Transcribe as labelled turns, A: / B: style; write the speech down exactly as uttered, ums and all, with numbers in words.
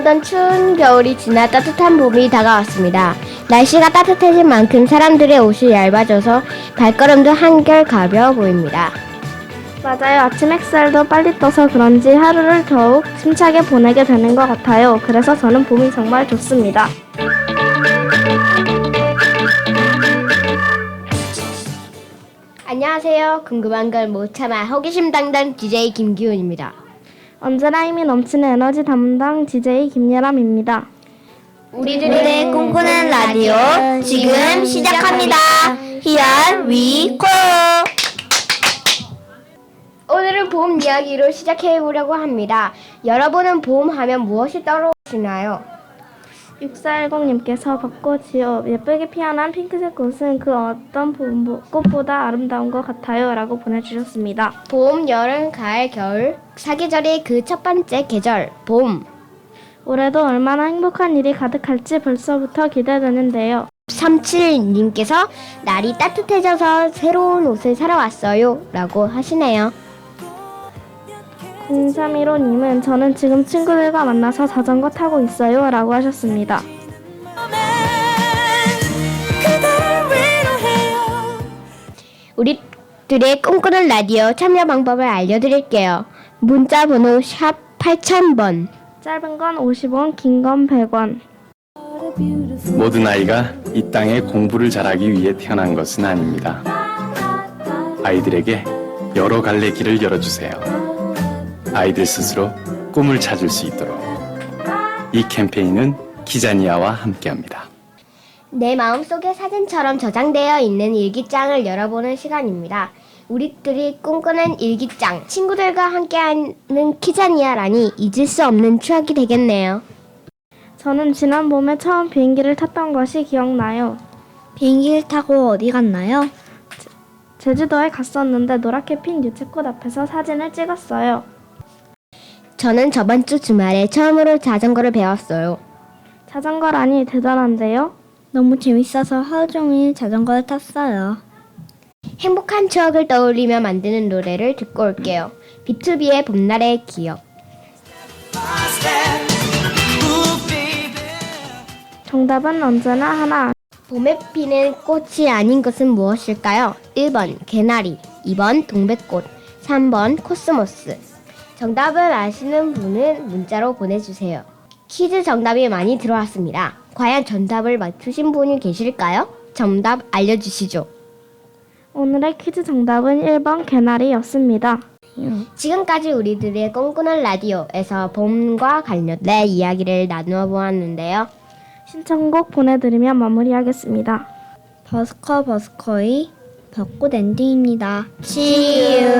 A: 보던 추운 겨울이 지나 따뜻한 봄이 다가왔습니다. 날씨가 따뜻해진 만큼 사람들의 옷이 얇아져서 발걸음도 한결 가벼워 보입니다.
B: 맞아요. 아침 햇살도 빨리 떠서 그런지 하루를 더욱 힘차게 보내게 되는 것 같아요. 그래서 저는 봄이 정말 좋습니다.
A: 안녕하세요. 궁금한 걸 못 참아 호기심 당당 디제이 김기훈입니다.
B: 언제나 힘이 넘치는 에너지 담당 디제이 김예람입니다.
A: 우리들의 꿈꾸는 라디오 지금 시작합니다. Here we go! 오늘은 봄 이야기로 시작해보려고 합니다. 여러분은 봄 하면 무엇이 떠오르시나요?
B: 육사일공님께서 벚꽃이요. 예쁘게 피어난 핑크색 꽃은 그 어떤 봄, 꽃보다 아름다운 것 같아요. 라고 보내주셨습니다.
A: 봄, 여름, 가을, 겨울 사계절의 그 첫 번째 계절, 봄.
B: 올해도 얼마나 행복한 일이 가득할지 벌써부터 기대되는데요.
A: 삼칠님께서 날이 따뜻해져서 새로운 옷을 사러 왔어요. 라고 하시네요.
B: 공삼일오님은 저는 지금 친구들과 만나서 자전거 타고 있어요. 라고 하셨습니다.
A: 우리들의 꿈꾸는 라디오 참여 방법을 알려드릴게요. 문자 번호 샵 팔천 번.
B: 짧은 건 오십 원, 긴 건 백 원.
C: 모든 아이가 이 땅에 공부를 잘하기 위해 태어난 것은 아닙니다. 아이들에게 여러 갈래 길을 열어주세요. 아이들 스스로 꿈을 찾을 수 있도록 이 캠페인은 키자니아와 함께합니다.
A: 내 마음속에 사진처럼 저장되어 있는 일기장을 열어보는 시간입니다. 우리들이 꿈꾸는 일기장, 친구들과 함께하는 키자니아라니 잊을 수 없는 추억이 되겠네요.
B: 저는 지난 봄에 처음 비행기를 탔던 것이 기억나요.
A: 비행기를 타고 어디 갔나요?
B: 제주도에 갔었는데 노랗게 핀 유채꽃 앞에서 사진을 찍었어요.
A: 저는 저번 주 주말에 처음으로 자전거를 배웠어요.
B: 자전거라니 대단한데요?
A: 너무 재밌어서 하루 종일 자전거를 탔어요. 행복한 추억을 떠올리며 만드는 노래를 듣고 올게요. 비투비의 봄날의 기억.
B: 정답은 언제나 하나.
A: 봄에 피는 꽃이 아닌 것은 무엇일까요? 일 번 개나리, 이 번 동백꽃, 삼 번 코스모스. 정답을 아시는 분은 문자로 보내주세요. 퀴즈 정답이 많이 들어왔습니다. 과연 정답을 맞추신 분이 계실까요? 정답 알려주시죠.
B: 오늘의 퀴즈 정답은 일 번 개나리였습니다.
A: 지금까지 우리들의 꿈꾸는 라디오에서 봄과 관련된 이야기를 나누어 보았는데요.
B: 신청곡 보내드리며 마무리하겠습니다.
A: 버스커 버스커의 벚꽃 엔딩입니다. See you.